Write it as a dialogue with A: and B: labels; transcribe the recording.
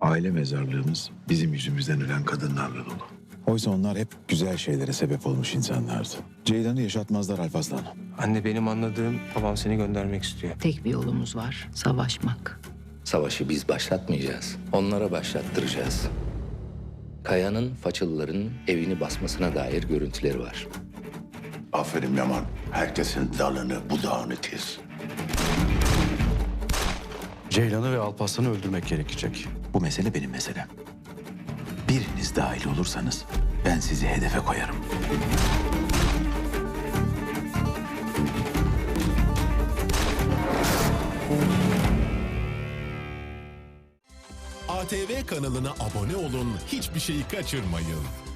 A: Aile mezarlığımız bizim yüzümüzden ölen kadınlarla dolu. Oysa onlar hep güzel şeylere sebep olmuş insanlardı. Ceylan'ı yaşatmazlar Alparslan.
B: Anne, benim anladığım babam seni göndermek istiyor.
C: Tek bir yolumuz var, savaşmak.
D: Savaşı biz başlatmayacağız. Onlara başlattıracağız. Kaya'nın Façılıların evini basmasına dair görüntüleri var.
E: Aferin Yaman. Herkesin dalını budağını kes.
F: Ceylan'ı ve Alparslan'ı öldürmek gerekecek.
A: Bu mesele benim meselem. Biriniz dahil olursanız ben sizi hedefe koyarım.
G: ATV kanalına abone olun, hiçbir şeyi kaçırmayın.